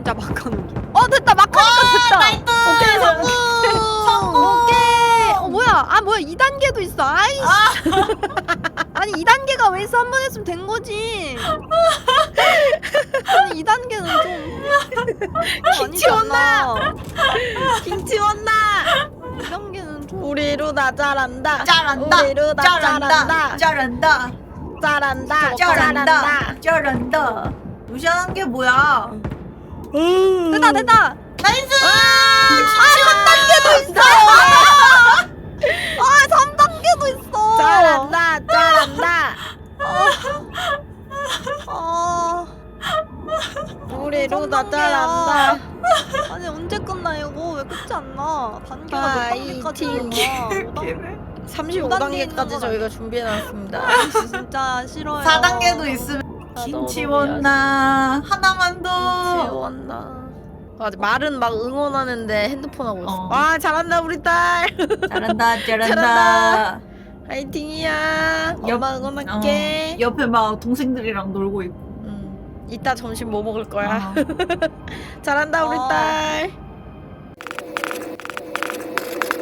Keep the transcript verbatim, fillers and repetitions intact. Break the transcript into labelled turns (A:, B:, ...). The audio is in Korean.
A: 진짜 막 하는 중. 어 됐다 막 하니까 됐다.
B: 오케이 성공.
A: 성공. 오케이. 어 뭐야? 아 뭐야 이 단계도 있어. 아이씨. 아니 이 단계가 왜 있어? 한 번 했으면 된 거지. 아니 이 단계는 좀
B: 김치
A: 아니잖아.
B: 김치 온다.
A: 이 단계는 좀
B: 우리 루나 잘한다.
C: 잘한다.
B: 우리 루나
C: 잘한다.
B: 잘한다.
C: 잘한다.
B: 잘한다.
C: 잘한다. 잘한다. 루시안 게 뭐야?
A: 됐다 됐다.
C: 나이스!
A: 아 삼 단계도 있어. 아 삼 단계도 있어.
B: 잘한다. 잘한다.
A: 아
B: 우리 루나
A: 삼 단계야.
B: 잘한다.
A: 아니 언제 끝나 이거 왜 끝이 안 나? 단계가 몇 단계까지
B: 파이팅.
A: 있나?
B: 삼십오 단계까지 저희가 준비해놨습니다.
A: 진짜 싫어요.
C: 사 단계도 있으면 김치 원나 하나만 더.
B: 지웠나? 맞아 말은 막 응원하는데 핸드폰 하고 있어.
C: 어.
B: 와 잘한다 우리 딸.
C: 잘한다. 잘한다.
B: 잘한다. 화이팅이야.
C: 옆-
B: 엄마 응원할게.
C: 어, 옆에 막 동생들이랑 놀고 있고.
B: 음, 이따 점심 뭐 먹을 거야?
C: 어.
B: 잘한다 우리
A: 어.
B: 딸.